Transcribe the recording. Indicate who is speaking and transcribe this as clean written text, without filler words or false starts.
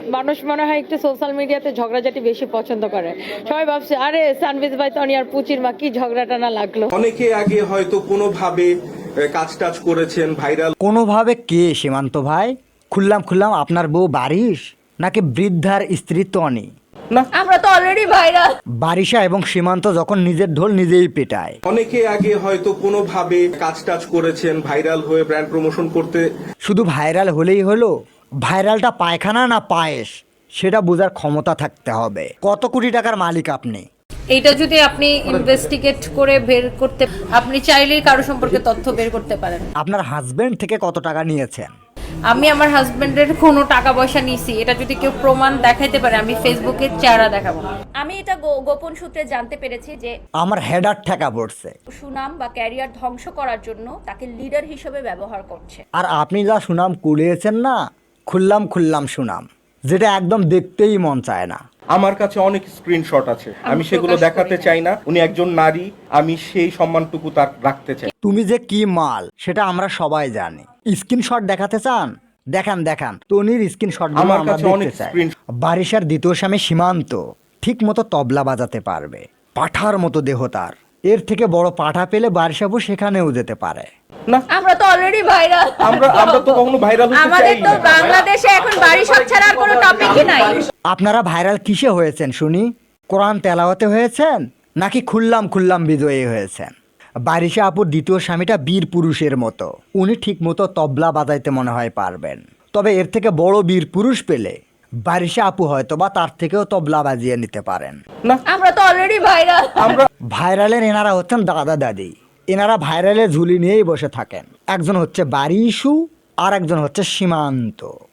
Speaker 1: মানুষ মনে হয় একটু সোশ্যাল মিডিয়াতে ঝগড়াঝাটি বেশি পছন্দ করে। সবাই ভাবছে আরে সানভিজ ভাই তনি আর পুচির মা কি ঝগড়াটা না লাগলো।
Speaker 2: অনেকে আগে হয়তো কোনোভাবে কাজ টাজ করেছেন, ভাইরাল
Speaker 3: কোনোভাবে কে সীমান্ত ভাই? খুললাম আপনার বউ বারিশ নাকি বৃদ্ধার স্ত্রী তনি?
Speaker 2: না,
Speaker 1: আমরা তো অলরেডি ভাইরাল।
Speaker 3: বারিশা এবং সীমান্ত যখন নিজের ঢোল নিজেই পেটায়।
Speaker 2: অনেকে আগে হয়তো কোনোভাবে কাজ টাজ করেছেন, ভাইরাল হয়ে ব্র্যান্ড প্রমোশন করতে।
Speaker 3: শুধু ভাইরাল হলেই হলো? ভাইরালটা পায়খানা না পায়েস সেটা বোঝার ক্ষমতা থাকতে হবে। কত কোটি টাকার মালিক আপনি?
Speaker 4: এইটা যদি আপনি ইনভেস্টিগেট করে বের করতে, আপনি চাইলেই কারো সম্পর্কে তথ্য বের করতে পারেন।
Speaker 3: আপনার হাজবেন্ড থেকে কত টাকা নিয়েছেন?
Speaker 4: আমি আমার হাজবেন্ডের কোনো টাকা পয়সা নিছি, এটা যদি কেউ প্রমাণ দেখাইতে পারে আমি ফেসবুকে চেহারা দেখাবো।
Speaker 5: আমি এটা গোপন সূত্রে জানতে পেরেছি যে
Speaker 3: আমার হেডার ঠেকা পড়ছে।
Speaker 5: সুনাম বা ক্যারিয়ার ধ্বংস করার জন্য তাকে লিডার হিসেবে ব্যবহার করছে।
Speaker 3: আর আপনি যা সুনাম কুড়িয়েছেন না, খুললাম সুনাম, যেটা একদম দেখতেই মন চায় না।
Speaker 2: আমার কাছে অনেক স্ক্রিনশট আছে, আমি সেগুলো দেখাতে চাই না। উনি একজন নারী, আমি সেই সম্মানটুকু তার রাখতে চাই।
Speaker 3: তুমি যে কি মাল সেটা আমরা সবাই জানি। স্ক্রিনশট দেখাতে চান? দেখান তনির স্ক্রিনশট
Speaker 2: আমার
Speaker 3: আমরা
Speaker 2: কাছে অনেক
Speaker 3: দেখতে চাই।
Speaker 2: screenshot।
Speaker 3: বারিশার দ্বিতীয় স্বামী সীমান্ত ঠিক মতো তবলা বাজাতে পারবে, পাঠার মতো দেহ তার। এর থেকে বড় পাঠা পেলে বারিশাবু সেখানেও যেতে পারে।
Speaker 2: না,
Speaker 5: আমরা তো অলরেডি ভাইরাল।
Speaker 2: আমরা তো কখনো ভাইরাল হতে
Speaker 5: আমাদের
Speaker 2: চাই
Speaker 5: তো
Speaker 2: না।
Speaker 5: বাংলাদেশে এখন বাড়ি সব ছাড়া আর কোনো টপিকই নাই।
Speaker 3: আপনারা ভাইরাল কিসে হয়েছেন শুনি? কোরআন তেলাওয়াতে হয়েছেন নাকি খুললাম বিজয়ী হয়েছেন? বারিশা আপুর দ্বিতীয় স্বামীটা বীর পুরুষের মতো, উনি ঠিক মতো তবলা বাজাইতে মনে হয় পারবেন। তবে এর থেকে বড় বীর পুরুষ পেলে বারিশা আপু হয়তো বা তার থেকেও তবলা বাজিয়ে নিতে পারেন।
Speaker 2: না,
Speaker 5: আমরা তো অলরেডি ভাইরাল।
Speaker 3: ভাইরালের এনারা হচ্ছেন দাদা দাদি, এনারা ভাইরালের ঝুলি নিয়েই বসে থাকেন। একজন হচ্ছে বারিশু আর একজন হচ্ছে সীমান্ত।